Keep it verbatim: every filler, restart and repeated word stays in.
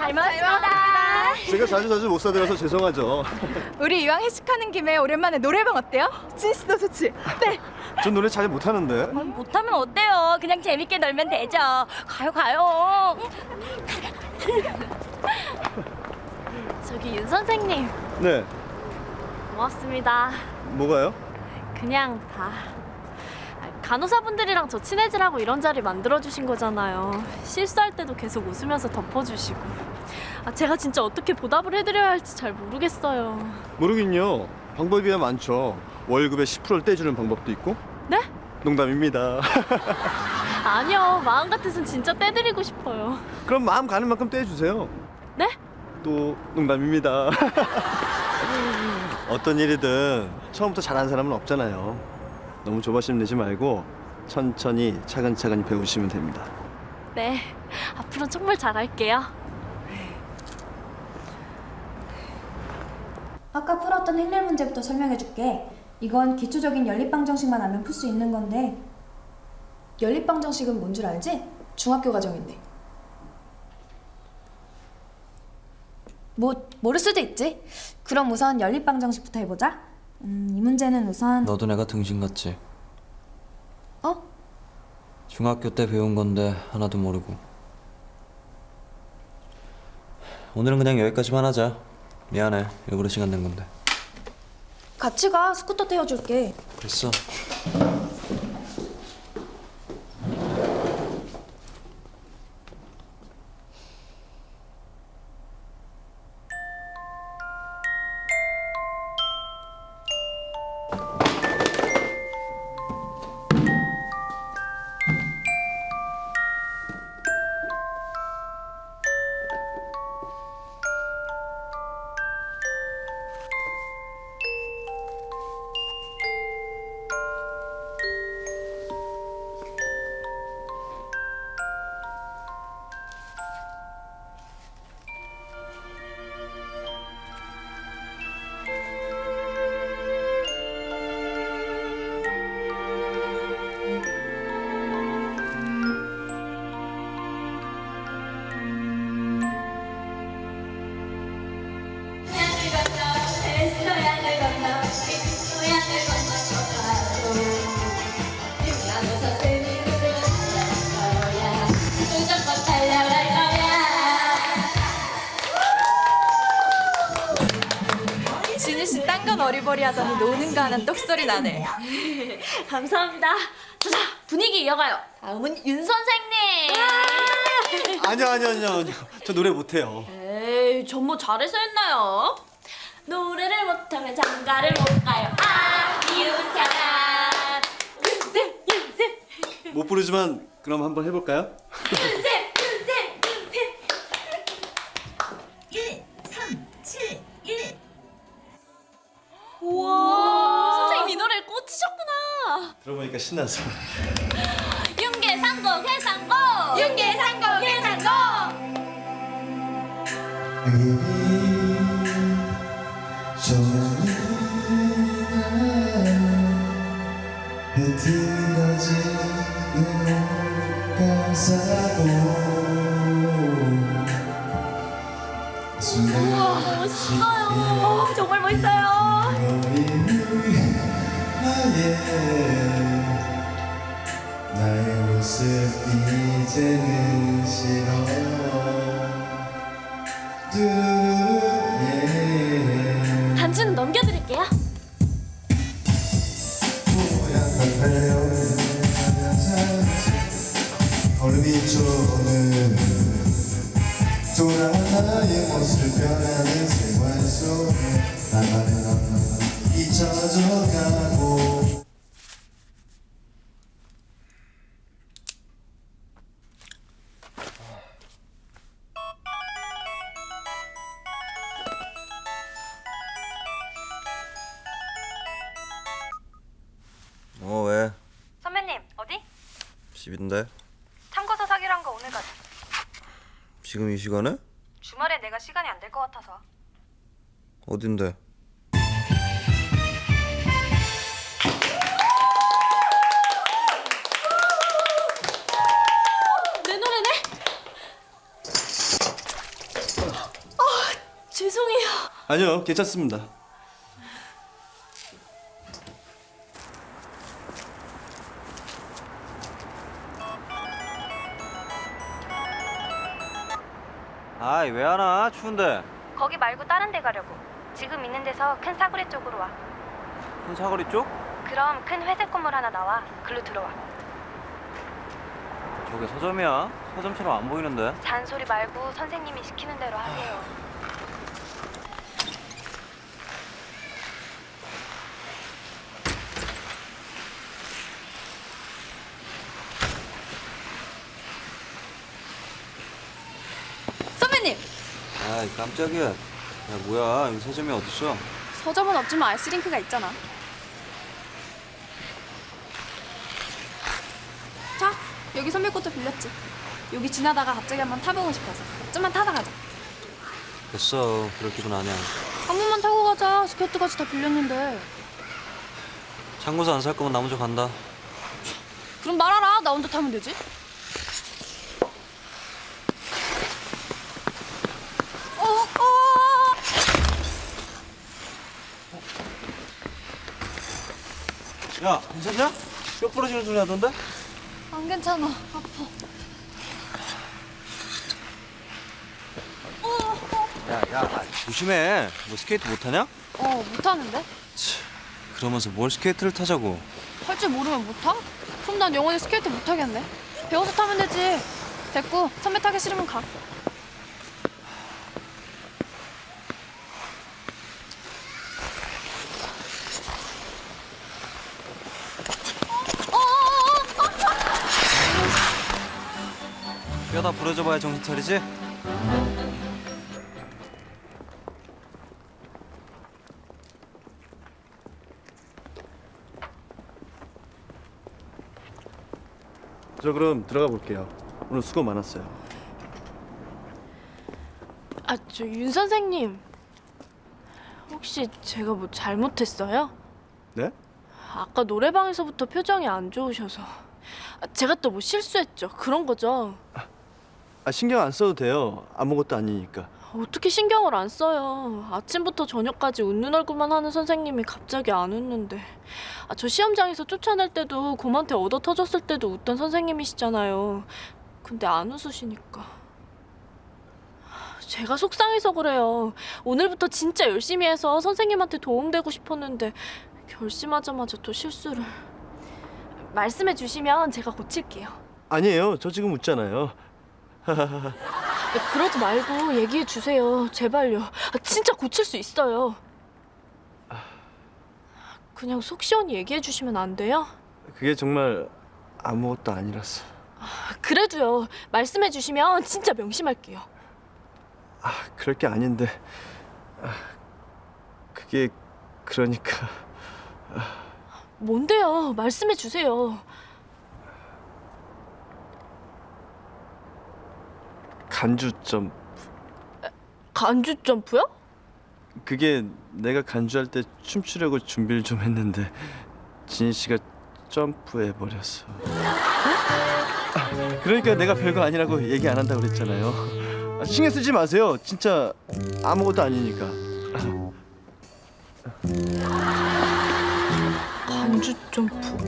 잘 먹었습니다. 제가 자주 자주 못 사드려서 죄송하죠. 우리 이왕 회식하는 김에 오랜만에 노래방 어때요? 진씨도 좋지? 네. 전 노래 잘 못하는데. 못하면 어때요? 그냥 재밌게 놀면 되죠. 가요 가요. 저기 윤 선생님 네. 고맙습니다. 뭐가요? 그냥 다 간호사분들이랑 저 친해지라고 이런 자리 만들어주신 거잖아요. 실수할 때도 계속 웃으면서 덮어주시고. 아, 제가 진짜 어떻게 보답을 해드려야 할지 잘 모르겠어요. 모르긴요. 방법이야 많죠. 월급의 십 퍼센트를 떼주는 방법도 있고. 네? 농담입니다. 아니요, 마음 같아선 진짜 떼드리고 싶어요. 그럼 마음 가는 만큼 떼주세요. 네? 또 농담입니다. 어떤 일이든 처음부터 잘하는 사람은 없잖아요. 너무 조바심 내지 말고 천천히 차근차근히 배우시면 됩니다. 네, 앞으로 정말 잘할게요. 아까 풀었던 행렬 문제부터 설명해줄게. 이건 기초적인 연립방정식만 알면 풀 수 있는 건데. 연립방정식은 뭔 줄 알지? 중학교 과정인데. 뭐 모를 수도 있지. 그럼 우선 연립방정식부터 해보자. 음, 이 문제는 우선 너도 내가 등신 같지? 어? 중학교 때 배운 건데 하나도 모르고. 오늘은 그냥 여기까지만 하자. 미안해, 일부러 시간 낸 건데. 같이 가. 스쿠터 태워줄게. 됐어. 진희 씨 딴 건 어리버리 하더니 노는 거 하는 똑소리 나네. 감사합니다. 자, 자, 분위기 이어가요. 다음은 윤 선생님. 아니요 아니요 아니요 아니요. 저 노래 못해요. 에이, 전 뭐 잘해서 했나요? 노래를 못하면 장가를 못 가요. 아, 이웃사람. 윤쌤, 윤쌤, 못 부르지만 그럼 한번 해볼까요? 윤쌤, 윤쌤, 윤쌤. 일, 삼, 칠, 일. 우와, 선생님 이 노래에 꽂히셨구나. 들어보니까 신나서. 윤계상곡 해상곡. 윤계상곡 해상곡. 우와, 멋있어요. 어, 정말 멋있어요. 나의 모습 이제는 싫어. 뚜루루루, 예. 단추는 넘겨드릴게요. 모양만 달려오는 얼음이 쪼는 돌아 나의 모습 변하는 생활 속에 나만의 넌 잊혀져가고. 어, 왜? 선배님 어디? 집인데? 참고서 사기로 한 거 오늘 가자. 지금 이 시간에? 주말에 내가 시간이 안 될 것 같아서. 어딘데? 내 노래네? 아니요, 괜찮습니다. 아이 왜 안 와? 추운데. 거기 말고 다른 데 가려고. 지금 있는 데서 큰 사거리 쪽으로 와. 큰 사거리 쪽? 그럼 큰 회색 건물 하나 나와. 글로 들어와. 저게 서점이야? 서점처럼 안 보이는데. 잔소리 말고 선생님이 시키는 대로 하세요. 선배님! 아이 깜짝이야. 야 뭐야 여기 서점이 어딨어? 서점은 없지만 아이스링크가 있잖아. 자, 여기 선배 것도 빌렸지. 여기 지나다가 갑자기 한번 타보고 싶어서. 좀만 타다 가자. 됐어. 그럴 기분 아니야. 한 번만 타고 가자. 스케이트까지 다 빌렸는데. 창고서 안 살 거면 나 먼저 간다. 그럼 말하라. 나 혼자 타면 되지. 어, 어. 야 괜찮냐? 뼈 부러지는 소리 하던데? 안 괜찮아. 아파. 야야 조심해. 너 스케이트 못하냐? 어, 못하는데? 그러면서 뭘 스케이트를 타자고. 할 줄 모르면 못 타? 그럼 난 영원히 스케이트 못 타겠네. 배워서 타면 되지. 됐고, 선배 타기 싫으면 가. 뼈다 부러져 봐야 정신 차리지? 저 그럼 들어가 볼게요. 오늘 수고 많았어요. 아, 저 윤 선생님. 혹시 제가 뭐 잘못했어요? 네? 아까 노래방에서부터 표정이 안 좋으셔서. 아, 제가 또 뭐 실수했죠. 그런 거죠. 아, 신경 안 써도 돼요. 아무것도 아니니까. 어떻게 신경을 안 써요. 아침부터 저녁까지 웃는 얼굴만 하는 선생님이 갑자기 안 웃는데. 아, 저 시험장에서 쫓아낼 때도 곰한테 얻어 터졌을 때도 웃던 선생님이시잖아요. 근데 안 웃으시니까. 제가 속상해서 그래요. 오늘부터 진짜 열심히 해서 선생님한테 도움되고 싶었는데 결심하자마자 또 실수를. 말씀해 주시면 제가 고칠게요. 아니에요. 저 지금 웃잖아요. 그러지 말고 얘기해 주세요. 제발요. 아, 진짜 고칠 수 있어요. 그냥 속 시원히 얘기해 주시면 안 돼요? 그게 정말 아무것도 아니라서. 아, 그래도요. 말씀해 주시면 진짜 명심할게요. 아, 그럴 게 아닌데. 아, 그게 그러니까. 뭔데요? 말씀해 주세요. 간주 점. 간주 점프요? 그게 내가 간주할 때 춤추려고 준비를 좀 했는데 진희 씨가 점프해 버렸어. 아, 그러니까 내가 별거 아니라고 얘기 안 한다고 그랬잖아요. 아, 신경 쓰지 마세요. 진짜 아무것도 아니니까. 간주 점프.